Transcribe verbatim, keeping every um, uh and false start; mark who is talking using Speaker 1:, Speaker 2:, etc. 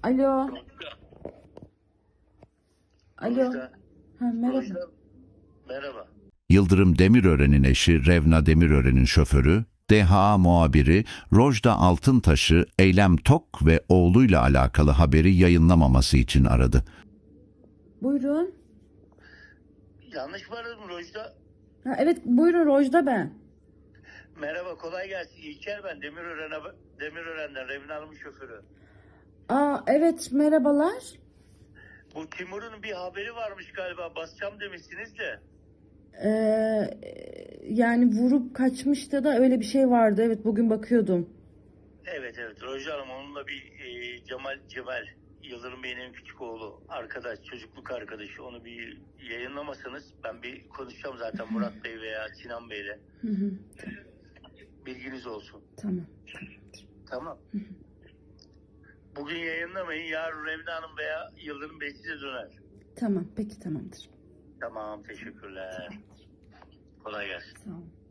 Speaker 1: Alo.
Speaker 2: Rojda.
Speaker 1: Alo.
Speaker 2: Rojda.
Speaker 1: Ha, merhaba.
Speaker 2: Rojda. Merhaba.
Speaker 3: Yıldırım Demirören'in eşi Revna Demirören'in şoförü, D H A muhabiri Rojda Altıntaş'ı Eylem Tok ve oğluyla alakalı haberi yayınlamaması için aradı.
Speaker 1: Buyurun.
Speaker 2: Yanlış mı aradım Rojda?
Speaker 1: Ha, evet buyurun, Rojda ben.
Speaker 2: Merhaba, kolay gelsin. İlker ben. Demirören'e, Demirören'den Revna Hanım'ın şoförü.
Speaker 1: Aa evet, merhabalar.
Speaker 2: Bu Timur'un bir haberi varmış galiba. Basacağım demişsiniz de.
Speaker 1: Ee, yani vurup kaçmıştı da öyle bir şey vardı. Evet, bugün bakıyordum.
Speaker 2: Evet evet Rojda Hanım, onunla bir e, Cemal Cemal Yıldırım Bey'in en küçük oğlu, arkadaş, çocukluk arkadaşı, onu bir yayınlamasanız ben bir konuşacağım zaten Murat Bey veya Sinan Bey'le.
Speaker 1: Hı hı.
Speaker 2: Bilginiz olsun.
Speaker 1: Tamam.
Speaker 2: Tamam. Bugün yayınlamayın. Yarın Revna Hanım veya Yıldırım Bey size döner.
Speaker 1: Tamam, peki, tamamdır.
Speaker 2: Tamam, teşekkürler. Kolay gelsin.
Speaker 1: Sağ olun.